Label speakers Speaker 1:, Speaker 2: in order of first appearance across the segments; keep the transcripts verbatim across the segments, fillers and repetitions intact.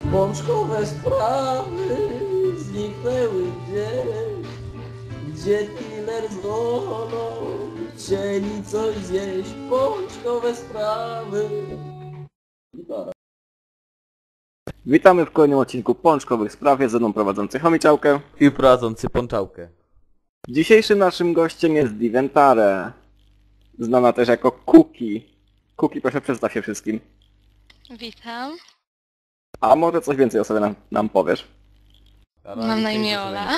Speaker 1: Pączkowe sprawy zniknęły gdzieś, gdzie dealer z Lolą chcieli coś zjeść. Pączkowe sprawy. Gitara.
Speaker 2: Witamy w kolejnym odcinku Pączkowych Spraw, ze mną prowadzący Chomiczałkę.
Speaker 3: I prowadzący Pączałkę.
Speaker 2: Dzisiejszym naszym gościem jest Diventare, znana też jako Kuki. Kuki, proszę przedstaw się wszystkim.
Speaker 4: Witam.
Speaker 2: A może coś więcej o sobie nam, nam powiesz?
Speaker 4: Mam na imię Ola.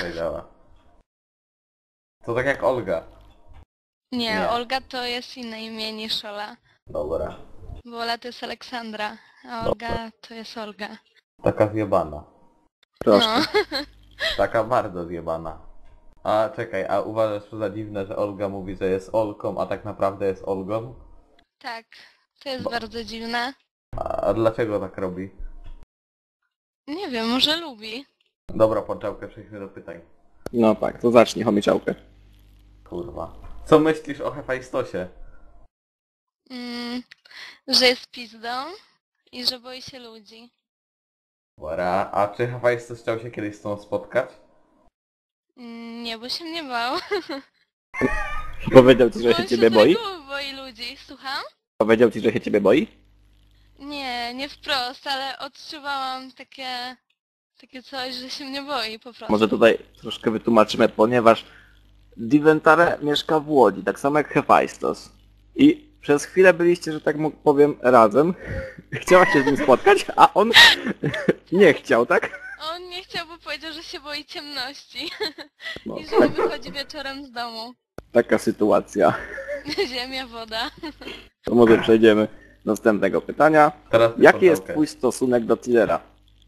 Speaker 3: To tak jak Olga.
Speaker 4: Nie,
Speaker 3: Nie.
Speaker 4: Olga to jest inne imię niż Ola.
Speaker 3: Dobra.
Speaker 4: Bo Ola to jest Aleksandra, a Olga to jest Olga.
Speaker 3: Taka zjebana.
Speaker 2: Proszę.
Speaker 4: No.
Speaker 3: Taka bardzo zjebana. A czekaj, a uważasz to za dziwne, że Olga mówi, że jest Olką, a tak naprawdę jest Olgą?
Speaker 4: Tak, to jest bardzo dziwne.
Speaker 3: A, a dlaczego tak robi?
Speaker 4: Nie wiem, może lubi.
Speaker 3: Dobra, Pączałkę, przejdźmy do pytań.
Speaker 2: No tak, to zacznij Chomiczałkę.
Speaker 3: Kurwa. Co myślisz o Hefajstosie?
Speaker 4: Mm, że jest pizdą i że boi się ludzi.
Speaker 3: Dobra, a czy Hefajstos chciał się kiedyś z tą spotkać?
Speaker 4: Mm, nie, bo się mnie bał.
Speaker 2: Powiedział ci, że
Speaker 4: Bo
Speaker 2: się
Speaker 4: on
Speaker 2: ciebie
Speaker 4: z
Speaker 2: boi?
Speaker 4: reguły boi ludzi. Słucham?
Speaker 2: Powiedział ci, że się ciebie boi?
Speaker 4: Nie, nie wprost, ale odczuwałam takie... Takie coś, że się mnie boi po prostu.
Speaker 2: Może tutaj troszkę wytłumaczymy, ponieważ Diventare mieszka w Łodzi, tak samo jak Hefajstos. I przez chwilę byliście, że tak mu- powiem, razem. Chciała się z nim spotkać, a on nie chciał, tak?
Speaker 4: On nie chciał, bo powiedział, że się boi ciemności.
Speaker 2: No,
Speaker 4: I że nie wychodzi wieczorem z domu.
Speaker 2: taka sytuacja.
Speaker 4: Ziemia, woda.
Speaker 2: To może przejdziemy do następnego pytania.
Speaker 3: Teraz ty,
Speaker 2: Jaki jest
Speaker 3: Pączałkę.
Speaker 2: twój stosunek do Tillera?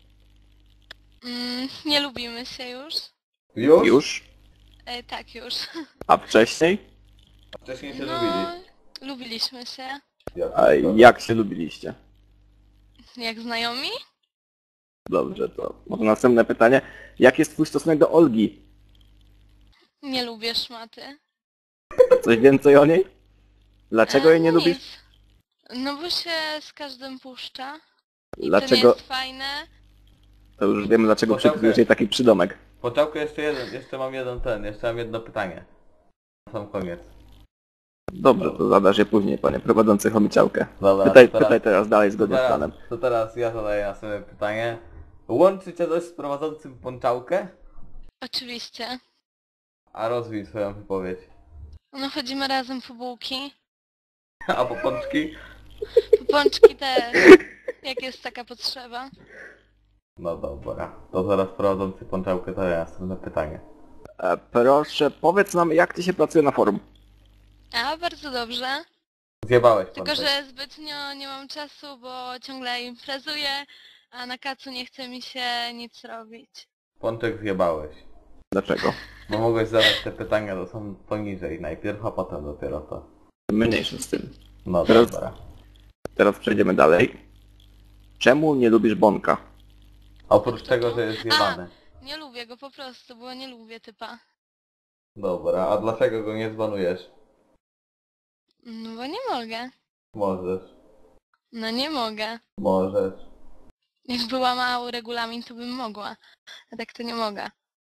Speaker 4: Mm, nie lubimy się już.
Speaker 3: Już?
Speaker 2: Już?
Speaker 4: E, tak, już.
Speaker 2: A wcześniej?
Speaker 3: Wcześniej się
Speaker 4: No,
Speaker 3: lubili.
Speaker 4: lubiliśmy się.
Speaker 3: Ja
Speaker 2: A jak się lubiliście?
Speaker 4: Jak znajomi?
Speaker 2: Dobrze, to może następne pytanie. Jaki jest twój stosunek do Olgi?
Speaker 4: Nie lubię szmaty.
Speaker 2: Coś więcej o niej? Dlaczego
Speaker 4: E,
Speaker 2: jej nie
Speaker 4: nic.
Speaker 2: lubisz?
Speaker 4: No bo się z każdym puszcza. I to nie
Speaker 2: Dlaczego?
Speaker 4: jest fajne.
Speaker 2: To już wiemy, dlaczego
Speaker 3: Poczekaj.
Speaker 2: przypisujesz jej taki przydomek.
Speaker 3: Pączałkę, jeszcze jeden, jeszcze mam jeden ten, jeszcze mam jedno pytanie. Na sam koniec.
Speaker 2: Dobrze, to zadasz je później, panie prowadzący Chomiczałkę.
Speaker 3: Dobra,
Speaker 2: Pytaj,
Speaker 3: to teraz-
Speaker 2: pytaj teraz dalej zgodnie z
Speaker 3: teraz,
Speaker 2: planem.
Speaker 3: to teraz ja zadaję następne pytanie. Łączy cię coś z prowadzącym Pączałkę?
Speaker 4: Oczywiście.
Speaker 3: A rozwij swoją wypowiedź.
Speaker 4: No chodzimy razem po bułki.
Speaker 3: A po pączki?
Speaker 4: Po pączki też. Jak jest taka potrzeba.
Speaker 3: No dobra. To zaraz prowadzący Pączałkę zadaje następne pytanie.
Speaker 2: E, proszę, powiedz nam, jak ci się pracuje na forum?
Speaker 4: A, bardzo dobrze.
Speaker 3: Zjebałeś
Speaker 4: Tylko,
Speaker 3: Pączek.
Speaker 4: że zbytnio nie mam czasu, bo ciągle imprezuję, a na kacu nie chce mi się nic robić.
Speaker 3: Pączek zjebałeś.
Speaker 2: Dlaczego?
Speaker 3: Bo mogłeś zadać te pytania, to są poniżej najpierw, a potem dopiero to.
Speaker 2: Mniejsze z tym.
Speaker 3: No
Speaker 2: Teraz-
Speaker 3: dobra.
Speaker 2: Teraz przejdziemy dalej. Czemu nie lubisz Bonka?
Speaker 3: Oprócz tego, że jest zjebany.
Speaker 4: Nie lubię go po prostu, bo nie lubię typa.
Speaker 3: Dobra, a dlaczego go nie zbanujesz?
Speaker 4: No bo nie mogę.
Speaker 3: Możesz.
Speaker 4: No nie mogę.
Speaker 3: Możesz.
Speaker 4: Jakby łamał regulamin, to bym mogła. A tak to nie mogę.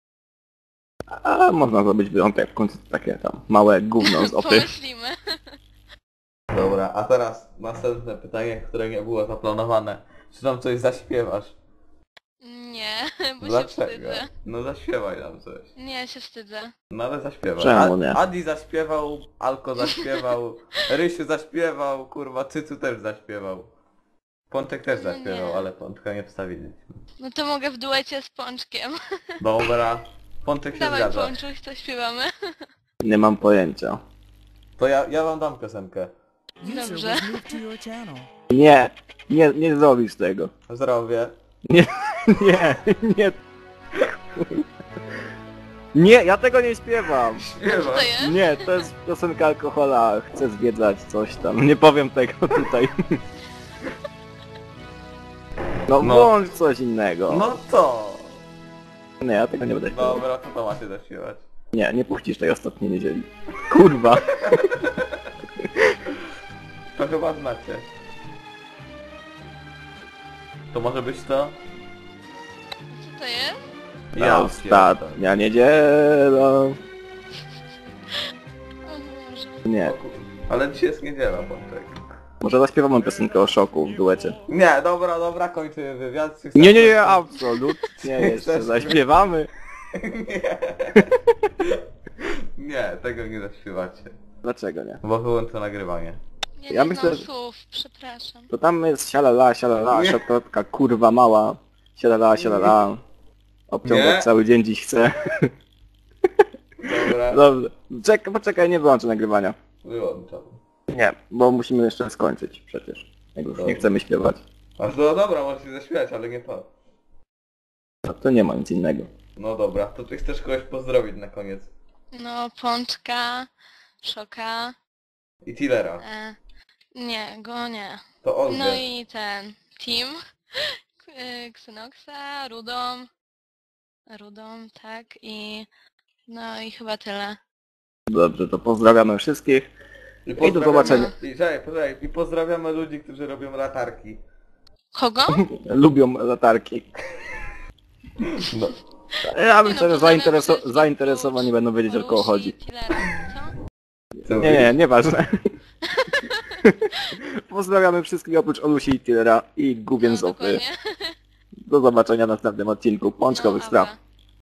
Speaker 2: A można zrobić wyjątek, w końcu takie tam małe gówno z opy.
Speaker 4: Pomyślimy.
Speaker 3: Dobra, a teraz następne pytanie, które nie było zaplanowane. Czy nam coś zaśpiewasz?
Speaker 4: Nie, bo się
Speaker 3: Dlaczego?
Speaker 4: wstydzę.
Speaker 3: No zaśpiewaj nam coś.
Speaker 4: Nie, się wstydzę.
Speaker 3: No ale zaśpiewaj.
Speaker 2: Czemu nie?
Speaker 3: Adi zaśpiewał, Alko zaśpiewał, Rysiu zaśpiewał, kurwa, Cycu też zaśpiewał. Pączek też
Speaker 4: No
Speaker 3: zaśpiewał,
Speaker 4: nie.
Speaker 3: ale Pączka nie wstawiliśmy.
Speaker 4: No to mogę w duecie z Pączkiem.
Speaker 3: Dobra, Pączek się
Speaker 4: Dawaj
Speaker 3: zgadza.
Speaker 4: Pączuś, to śpiewamy.
Speaker 2: Nie mam pojęcia.
Speaker 3: To ja, ja wam dam piosenkę.
Speaker 4: Dobrze.
Speaker 5: User was moved to your channel.
Speaker 2: Nie, nie, nie zrobisz tego.
Speaker 3: Zrobię.
Speaker 2: Nie, nie. Nie, ja tego nie śpiewam.
Speaker 4: Co
Speaker 3: Śpiewam.
Speaker 4: to jest?
Speaker 2: Nie, to jest piosenka alkohola, chcę zwiedzać coś tam. Nie powiem tego tutaj. No,
Speaker 3: No.
Speaker 2: włącz coś innego.
Speaker 3: No to.
Speaker 2: Nie, ja tego nie będę śpiewał.
Speaker 3: Dobra, to to macie zaśpiewać.
Speaker 2: Nie, nie puścisz tej ostatniej niedzieli. Kurwa.
Speaker 3: To chyba znacie. To może być to?
Speaker 4: to jest?
Speaker 3: Ja
Speaker 2: Ostatnia niedziela.
Speaker 4: O Boże.
Speaker 2: Nie.
Speaker 3: Ale dzisiaj jest niedziela, Pączek.
Speaker 2: Może zaśpiewamy piosenkę o szoku w duecie.
Speaker 3: Nie, dobra, dobra, kończymy wywiad.
Speaker 2: Nie, nie, nie, absolutnie jeszcze
Speaker 3: Chcesz-
Speaker 2: zaśpiewamy.
Speaker 3: Nie. Nie, tego nie zaśpiewacie.
Speaker 2: Dlaczego nie?
Speaker 3: Bo wyłączę nagrywanie.
Speaker 4: Ja,
Speaker 2: Ja
Speaker 4: nie
Speaker 2: myślę,
Speaker 4: znam
Speaker 2: że-
Speaker 4: słów, przepraszam.
Speaker 2: To tam jest sialala, sialala,
Speaker 3: Nie.
Speaker 2: szokolatka kurwa mała. Sialala, sialala. Obciągać
Speaker 3: Nie.
Speaker 2: cały dzień dziś chcę.
Speaker 3: Dobra,
Speaker 2: Dobrze. Czekaj, poczekaj, nie wyłączę nagrywania.
Speaker 3: wyłączam.
Speaker 2: Nie, bo musimy jeszcze skończyć przecież. Jak już nie
Speaker 3: Dobra.
Speaker 2: chcemy śpiewać.
Speaker 3: A no dobra, możecie zaśpiewać, ale nie to.
Speaker 2: No to nie ma nic innego.
Speaker 3: No dobra, to ty chcesz kogoś pozdrowić na koniec.
Speaker 4: No, Pączka, Szoka,
Speaker 3: I Tillera.
Speaker 4: e, nie, go nie.
Speaker 3: To Olgę.
Speaker 4: No i ten, Team, K- y, Xenoxa, Rudą, Rudą, tak, i no i chyba tyle.
Speaker 2: Dobrze, to pozdrawiamy wszystkich.
Speaker 3: I,
Speaker 2: do
Speaker 3: pozdrawiamy-
Speaker 2: zobaczenia.
Speaker 3: I, czekaj, poczekaj, I pozdrawiamy ludzi, którzy robią latarki.
Speaker 4: Kogo?
Speaker 2: Lubią latarki.
Speaker 3: No.
Speaker 2: Ja
Speaker 4: Nie no,
Speaker 2: myślę, że
Speaker 4: pozdrawiam
Speaker 2: zaintereso
Speaker 4: wszystkich,
Speaker 2: zainteresowani będą wiedzieć, o kogo
Speaker 4: Lucy,
Speaker 2: chodzi.
Speaker 4: Tillera, co?
Speaker 3: Co
Speaker 2: Nie, nie, nieważne. Pozdrawiamy wszystkich oprócz Olusi i Tillera i Gubien
Speaker 4: No,
Speaker 2: Zofy.
Speaker 4: dokładnie.
Speaker 2: Do zobaczenia w następnym odcinku Pączkowych
Speaker 4: No,
Speaker 2: Spraw.
Speaker 4: dobra.